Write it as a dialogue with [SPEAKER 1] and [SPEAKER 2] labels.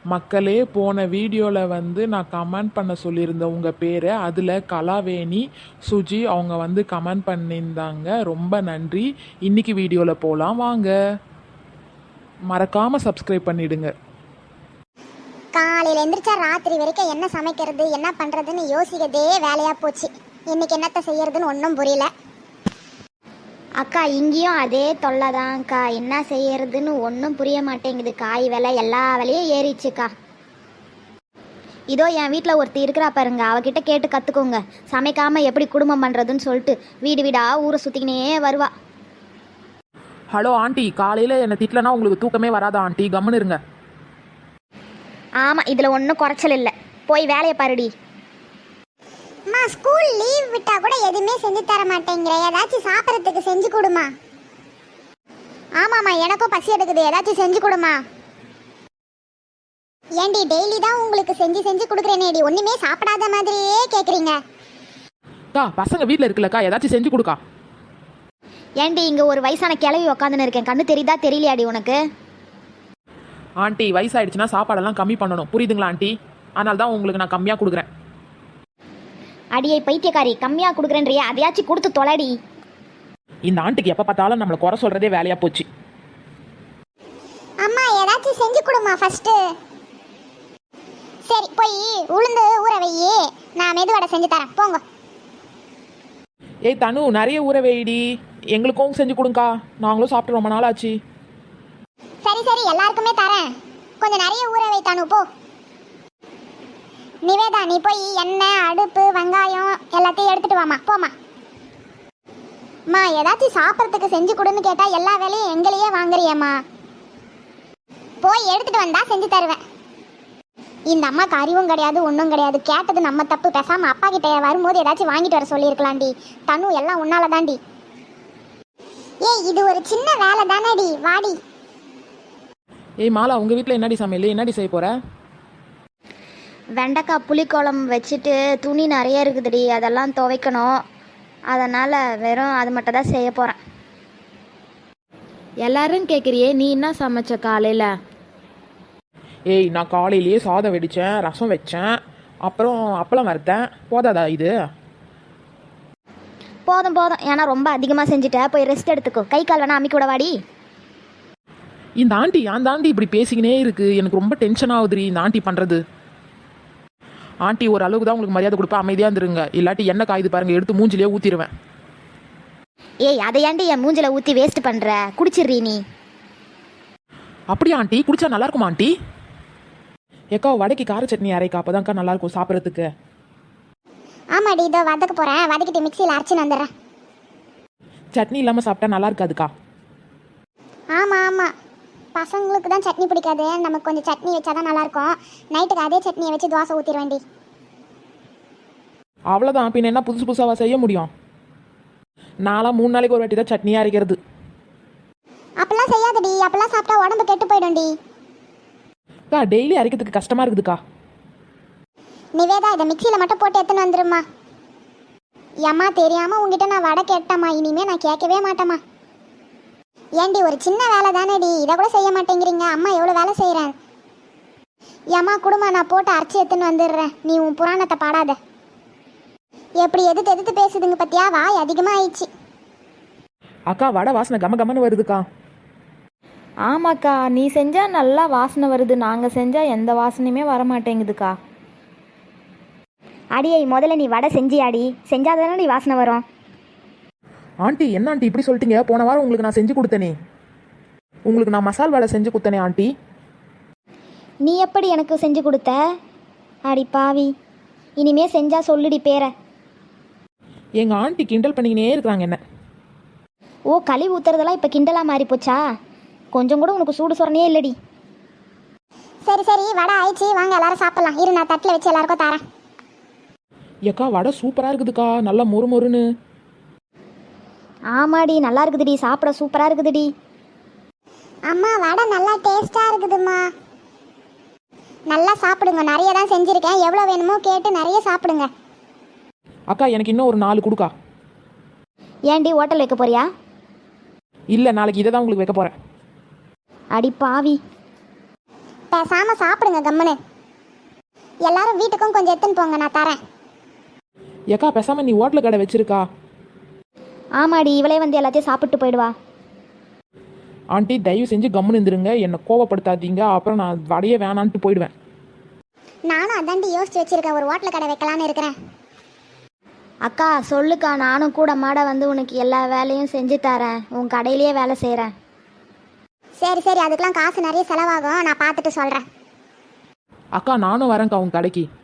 [SPEAKER 1] மக்களே, போன வீடியோவில் நான் கமெண்ட் பண்ண சொல்லியிருந்தேன் உங்கள் பேரை. அதில் கலாவேணி சுஜி அவங்க கமெண்ட் பண்ணியிருந்தாங்க. ரொம்ப நன்றி. இன்னைக்கு வீடியோவில் போகலாம் வாங்க. மறக்காமல் சப்ஸ்கிரைப் பண்ணிடுங்க.
[SPEAKER 2] காலையில் எந்திரிச்சா ராத்திரி வரைக்கும் என்ன சமைக்கிறது என்ன பண்ணுறதுன்னு யோசிக்கிறதே வேலையாக போச்சு. இன்னைக்கு என்னத்தை செய்யறதுன்னு ஒன்றும் புரியல.
[SPEAKER 3] அக்கா இங்கேயும் அதே தொல்லை தான்க்கா. என்ன செய்யறதுன்னு ஒன்றும் புரிய மாட்டேங்குது. காய் விலை எல்லா விலையும் ஏறிச்சுக்கா. இதோ என் வீட்டில் ஒருத்தி இருக்கிறா பாருங்க, அவகிட்ட கேட்டு கற்றுக்கோங்க. சமைக்காமல் எப்படி குடும்பம் பண்ணுறதுன்னு சொல்லிட்டு வீடு வீடா ஊரை சுற்றிக்கினே வருவா.
[SPEAKER 1] ஹலோ ஆண்டி, காலையில் என்னை திட்டலனா உங்களுக்கு தூக்கமே வராதா ஆண்டி? கம்முன்னு இருங்க.
[SPEAKER 3] ஆமாம், இதில் ஒன்றும் குறைச்சல் இல்லை. போய் வேலையை பாருடி.
[SPEAKER 2] அம்மா, ஸ்கூல் லீவ் விட்டா கூட எதுவுமே செஞ்சு தர மாட்டேங்கிற. ஏதாச்சும் சாப்பிட்றதுக்கு செஞ்சு கொடுமா. ஆமாம்மா, எனக்கும் பசி எடுக்குது, ஏதாச்சும் செஞ்சு கொடுமா. ஏண்டி டெய்லி தான் உங்களுக்கு செஞ்சு செஞ்சு கொடுக்குறேனேடி, ஒன்றுமே சாப்பிடாத மாதிரியே கேட்குறீங்க.
[SPEAKER 1] அக்கா, பசங்க வீட்டில் இருக்குல்லக்கா, ஏதாச்சும் செஞ்சு கொடுக்கா.
[SPEAKER 3] ஏண்டி இங்கே ஒரு வயசான கிளவி உக்காந்துன்னு இருக்கேன், கண்ணு தெரியுதா தெரியலையாடி உனக்கு?
[SPEAKER 1] ஆண்டி, வயசாயிடுச்சுன்னா சாப்பாடெல்லாம் கம்மி பண்ணணும், புரியுதுங்களா ஆண்டி? அதனால தான் உங்களுக்கு நான் கம்மியாக கொடுக்குறேன்.
[SPEAKER 3] அடியை பைத்தியக்காரி, கம்மியாக கொடுக்குறேன்றியா? அதையாச்சும் கொடுத்து தொலைடி.
[SPEAKER 1] இந்த ஆண்டிக்கு எப்போ பார்த்தாலும் நம்மளை குறை சொல்கிறதே வேலையாக போச்சு.
[SPEAKER 2] அம்மா, ஏதாச்சும் செஞ்சு கொடுமா ஃபஸ்ட்டு. சரி, போய் உளுந்து ஊற வையே, நான் மெதுவடை செஞ்சு தரேன், போங்க.
[SPEAKER 1] ஏய் தனு, நிறைய ஊற வைடி, எங்களுக்கும் செஞ்சு கொடுங்கக்கா. நாங்களும் சாப்பிட்டு ரொம்ப நாள் ஆச்சு.
[SPEAKER 2] சரி சரி, எல்லாருக்குமே தரேன், கொஞ்சம் நிறைய ஊற வை தானு, போ. நிவேதா, நீ போய் எண்ணெய் அடுப்பு வெங்காயம் எல்லாத்தையும் எடுத்துட்டு வாமா, போமா. அம்மா, ஏதாச்சும் சாப்பிட்றதுக்கு செஞ்சு கொடுன்னு கேட்டா எல்லா வேலையும் எங்களையே வாங்குறியம்மா. போய் எடுத்துட்டு வந்தா செஞ்சு தருவேன். இந்த அம்மாக்கு அறிவும் கிடையாது ஒன்றும் கிடையாது. கேட்டது நம்ம தப்பு. பேசாம அப்பா கிட்ட வரும்போது ஏதாச்சும் வாங்கிட்டு வர சொல்லியிருக்கலாம்டி. தனு, எல்லாம் உன்னால தாண்டி. ஏய், இது ஒரு சின்ன வேலை தானடி, வாடி.
[SPEAKER 1] ஏய் மாலா, உங்கள் வீட்டில் என்னடி சமையல்? என்னடி செய்ய போகிற?
[SPEAKER 3] வெண்டைக்காய் புளிக்குழம்பு வச்சுட்டு துணி நிறைய இருக்குதுடி, அதெல்லாம் துவைக்கணும். அதனால் வெறும் அது மட்டும் தான் செய்ய போகிறேன்.
[SPEAKER 4] எல்லாரும் கேட்குறியே, நீ என்ன சமைச்ச காலையில்?
[SPEAKER 1] ஏய், நான் காலையிலேயே சாதம் வெடித்தேன், ரசம் வச்சேன், அப்புறம் அப்பளம் வறுத்தேன். போதாதா இது?
[SPEAKER 3] போதும் போதும், ஏன்னா ரொம்ப அதிகமாக செஞ்சுட்ட. போய் ரெஸ்ட் எடுத்துக்கோ. கை கால் வேணா அம்மிக்கூட வாடி.
[SPEAKER 1] இந்த ஆண்டி அந்த ஆண்டி இப்படி பேசிக்கினே இருக்கு, எனக்கு ரொம்ப டென்ஷன் ஆகுதுரி இந்த ஆண்டி பண்ணுறது. ஆண்டி, ஒரு அளவுக்கு தான் உங்களுக்கு மரியாதை கொடுப்பேன், அமைதியாக இருந்துருங்க. இல்லாட்டி என்ன காயுது பாருங்க, எடுத்து மூஞ்சிலே ஊற்றிடுவேன்.
[SPEAKER 3] ஏய், அதை ஏண்டி என் மூஞ்சில ஊற்றி வேஸ்ட் பண்ணுற? குடிச்சிடுறீ நீ.
[SPEAKER 1] அப்படியா ஆண்டி? குடிச்சா நல்லா இருக்குமா ஆண்டி? ஏக்கா, வடைக்கு கார சட்னி அரைக்கா, அப்போதான்க்கா நல்லாயிருக்கும் சாப்பிட்றதுக்கு.
[SPEAKER 2] ஆமாடி, இதோ வதக்க போகிறேன், வதக்கிட்டு மிக்சியில் அரைச்சின்னு வந்துடுறேன்.
[SPEAKER 1] சட்னி இல்லாமல் சாப்பிட்டா நல்லா இருக்காதுக்கா.
[SPEAKER 2] ஆமாம் ஆமாம், பசங்களுக்கு தான் சட்னி பிடிக்காது, நமக்கு கொஞ்சம் சட்னி வச்சா தான் நல்லாயிருக்கும். நைட்டுக்கு அதே சட்னியை வச்சு தோசை ஊற்றிட வேண்டி.
[SPEAKER 1] அவ்வளோதான், பின்ன என்ன புதுசு புதுசாக செய்ய முடியும்? நான்லாம் 3 நாளைக்கு ஒரு வாட்டி தான் சட்னியாக அரைக்கிறது.
[SPEAKER 2] அப்பெல்லாம் செய்யாதடி, அப்பெல்லாம் சாப்பிட்டா உடம்பு கெட்டு போயிடும்டி.
[SPEAKER 1] அக்கா, டெய்லி அரைக்கிறதுக்கு கஷ்டமாக இருக்குதுக்கா.
[SPEAKER 2] நிவேதா, இதை மிக்சியில் மட்டும் போட்டு எடுத்துன்னு வந்துருமா. ஏம்மா, தெரியாமல் உங்ககிட்ட நான் வடை கேட்டேம்மா, இனிமேல் நான் கேட்கவே மாட்டேம்மா. ஏண்டி, ஒரு சின்ன வேலை தானேடி, இதை கூட செய்ய மாட்டேங்கிறீங்க. அம்மா எவ்வளோ வேலை செய்கிறேன். ஏம்மா குடுமா, நான் போட்டு அரைச்சி எடுத்துன்னு வந்துடுறேன், நீ உன் புராணத்தை பாடாத. எப்படி எதிர்த்து எதிர்த்து பேசுதுங்க பத்தியா? வாய் அதிகமாக ஆயிடுச்சு.
[SPEAKER 1] அக்கா, வடை வாசனை கம கமன்னு வருதுக்கா.
[SPEAKER 4] ஆமாக்கா, நீ செஞ்சால் நல்லா வாசனை வருது, நாங்கள் செஞ்சால் எந்த வாசனையுமே வர மாட்டேங்குதுக்கா.
[SPEAKER 3] அடியை, முதல்ல நீ வடை செஞ்சியாடி? செஞ்சாதானே நீ வாசனை வரும்.
[SPEAKER 1] ஆண்டி, என்ன ஆண்டி இப்படி சொல்லிட்டீங்க? போன வாரம் உங்களுக்கு நான் செஞ்சு கொடுத்தனே, உங்களுக்கு நான் மசால் வடை செஞ்சு கொடுத்தனே ஆண்டி.
[SPEAKER 3] நீ எப்படி எனக்கு செஞ்சு கொடுத்த? அடி பாவி, இனிமே செஞ்சா சொல்லுடி பேரை.
[SPEAKER 1] எங்கள் ஆண்டி கிண்டல் பண்ணிக்கினே இருக்கிறாங்க என்ன.
[SPEAKER 3] ஓ, களி ஊத்துறதெல்லாம் இப்போ கிண்டலாக மாறி போச்சா? கொஞ்சம் கூட உனக்கு சூடு சொரணையே இல்லடி.
[SPEAKER 2] சரி சரி, வடை ஆயிடுச்சு, வாங்க எல்லாரும் சாப்பிடலாம். இரு, நான் தட்டில் வச்சு எல்லாருக்கும் தரேன்.
[SPEAKER 1] ஏக்கா, வடை சூப்பராக இருக்குதுக்கா, நல்லா மொறு மொறுன்னு.
[SPEAKER 3] ஆமாடி, நல்லா இருக்குதுடி, சாப்பிட சூப்பராக இருக்குதுடி.
[SPEAKER 2] அம்மா, வடை நல்லா டேஸ்ட்டாக இருக்குதும்மா. நல்லா சாப்பிடுங்க, நிறைய தான் செஞ்சுருக்கேன், எவ்வளோ வேணுமோ கேட்டு நிறைய சாப்பிடுங்க.
[SPEAKER 1] அக்கா, எனக்கு இன்னும் ஒரு 4 கொடுக்கா.
[SPEAKER 3] ஏண்டி ஹோட்டல் வைக்க போறியா?
[SPEAKER 1] இல்லை, நாளைக்கு இதை தான் உங்களுக்கு வைக்க போகிறேன்.
[SPEAKER 3] அடி பாவி.
[SPEAKER 2] பேசாம சாப்பிடுங்க கம்முன்னு. எல்லாரும் வீட்டுக்கும் கொஞ்சம் எடுத்துன்னு போங்க, நான் தரேன்.
[SPEAKER 1] ஏக்கா பேசாமல் நீ ஹோட்டல் கடை வச்சிருக்கா.
[SPEAKER 3] ஆமாடி, இவளே வந்து எல்லாத்தையும் சாப்பிட்டு போயிடுவா.
[SPEAKER 1] ஆண்டி தயவு செஞ்சு கம்முன்னு இருந்துருங்க, என்னை கோவப்படுத்தாதீங்க, அப்புறம் நான் வடையே வேணான்ட்டு போயிடுவேன்.
[SPEAKER 2] நானும் அதாண்டி யோசிச்சு வச்சிருக்கேன், ஒரு ஹோட்டல் கடை வைக்கலான்னு இருக்கிறேன்.
[SPEAKER 3] அக்கா சொல்லுக்கா, நானும் கூட மாட வந்து உனக்கு எல்லா வேலையும் செஞ்சு தரேன், உன் கடையிலேயே வேலை செய்கிறேன்.
[SPEAKER 2] சரி சரி, அதுக்கெல்லாம் காசு நிறைய செலவாகும், நான் பார்த்துட்டு சொல்கிறேன்.
[SPEAKER 1] அக்கா நானும் வரேன்க்கா உங்கள் கடைக்கு.